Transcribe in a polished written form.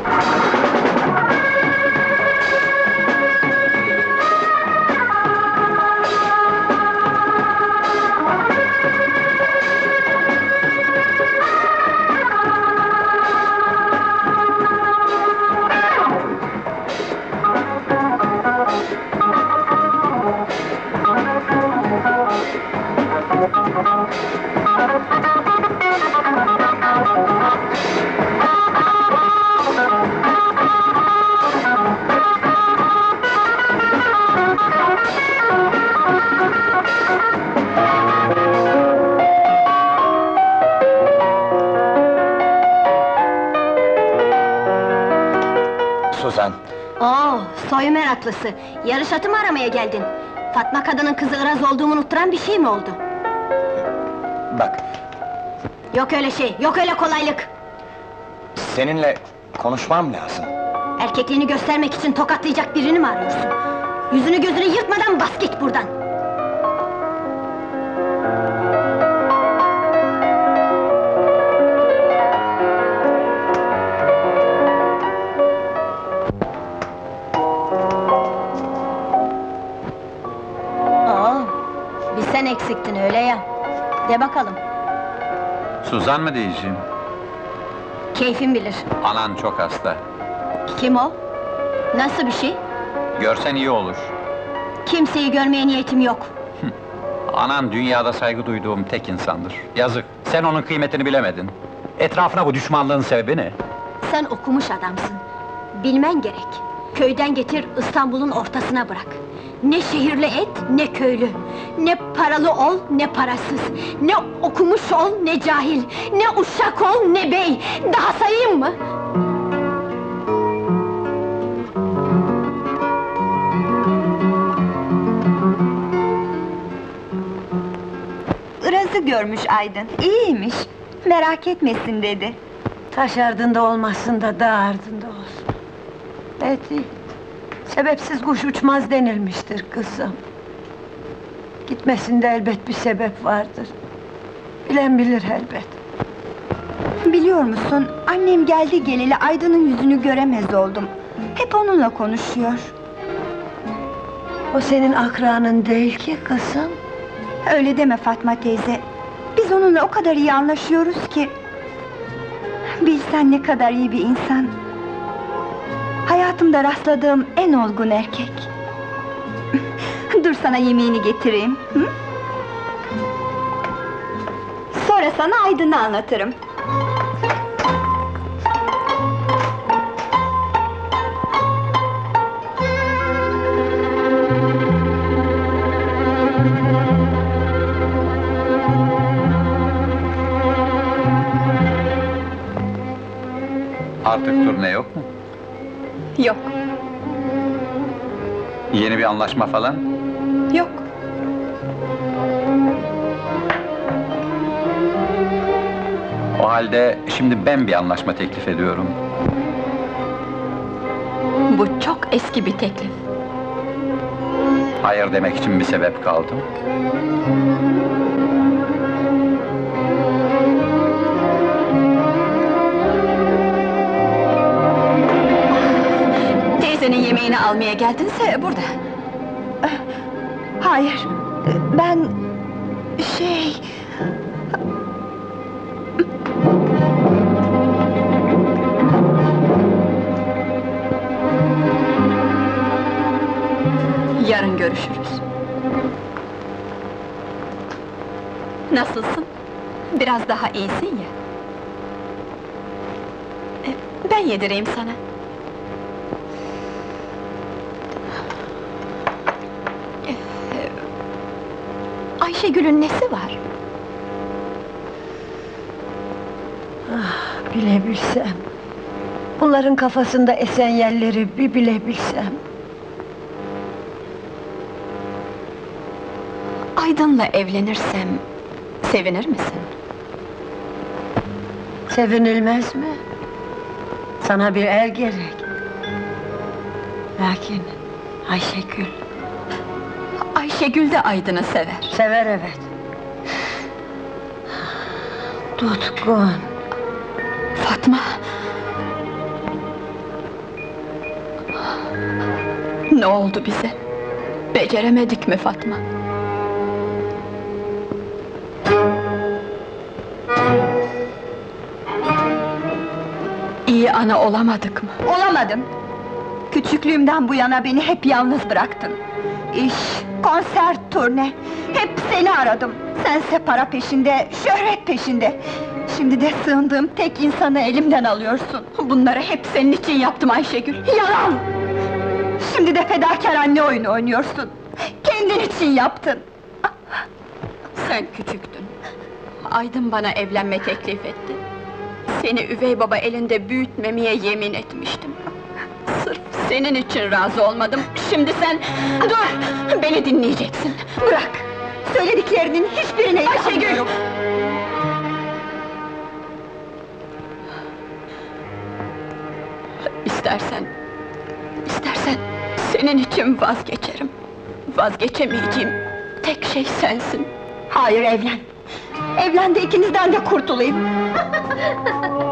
Suzan! Oo, soy meraklısı! Yarış atı mı aramaya geldin? Fatma kadının kızı Iraz olduğumu unutturan bir şey mi oldu? Bak, Yok öyle şey, yok öyle kolaylık! seninle konuşmam lazım. Erkekliğini göstermek için tokatlayacak birini mi arıyorsun? Yüzünü gözünü yırtmadan bas git buradan! Oo, bir sen eksiktin öyle ya! De bakalım! Suzan mı diyeceğim? Keyfin bilir! Anan çok hasta. Kim o? Nasıl bir şey? Görsen iyi olur. Kimseyi görmeye niyetim yok! Anan dünyada saygı duyduğum tek insandır. Yazık, sen onun kıymetini bilemedin. Etrafına bu düşmanlığın sebebi ne? Sen okumuş adamsın. Bilmen gerek. Köyden getir, İstanbul'un ortasına bırak. Ne şehirli et, ne köylü. Ne paralı ol, ne parasız. Ne okumuş ol, ne cahil. Ne uşak ol, ne bey. Daha sayayım mı? Iraz'ı görmüş Aydın, iyiymiş. Merak etmesin dedi. Taş ardında olmasın da dağ ardında olsun. Evet, sebepsiz kuş uçmaz denilmiştir kızım. Gitmesinde elbet bir sebep vardır. Bilen bilir elbet. Biliyor musun, annem geldi geleli Aydın'ın yüzünü göremez oldum. Hep onunla konuşuyor. O senin akranın değil ki kızım. Öyle deme Fatma teyze. Biz onunla o kadar iyi anlaşıyoruz ki. Bilsen ne kadar iyi bir insan. Hayatımda rastladığım en olgun erkek. Dur sana yemeğini getireyim. Hı? Sonra sana Aydın'ı anlatırım. Artık turne yok mu? Yok, Yeni bir anlaşma falan? yok. O halde şimdi ben bir anlaşma teklif ediyorum. Bu çok eski bir teklif. Hayır demek için bir sebep kaldı. Teyzenin yemeğini almaya geldinse burada. Hayır, ben... Yarın görüşürüz. Nasılsın? Biraz daha iyisin ya. Ben yedireyim sana. Ayşegül'ün nesi var? Bilebilsem. Bunların kafasında esen yerleri bir bilebilsem. Aydın'la evlenirsem sevinir misin? Sevinilmez mi? Sana bir er gerek. Lakin Ayşegül Ayşegül de Aydın'ı sever. sever evet. Tutkun. Fatma! Ne oldu bize? Beceremedik mi Fatma? İyi ana olamadık mı? Olamadım. Küçüklüğümden bu yana beni hep yalnız bıraktın. İş, konser, turne, hep seni aradım. Sense para peşinde, şöhret peşinde. Şimdi de sığındığım tek insanı elimden alıyorsun. Bunları hep senin için yaptım Ayşegül. Yalan! Şimdi de fedakar anne oyunu oynuyorsun. Kendin için yaptın. Sen küçüktün. Aydın bana evlenme teklif etti. Seni üvey baba elinde büyütmemeye yemin etmiştim. Sırf senin için razı olmadım. Şimdi sen... Dur! Beni dinleyeceksin. Bırak! Söylediklerinin hiçbirine inanmıyorum. İstersen senin için vazgeçerim. Vazgeçemeyeceğim tek şey sensin. Hayır, evlen! Evlen de ikinizden de kurtulayım!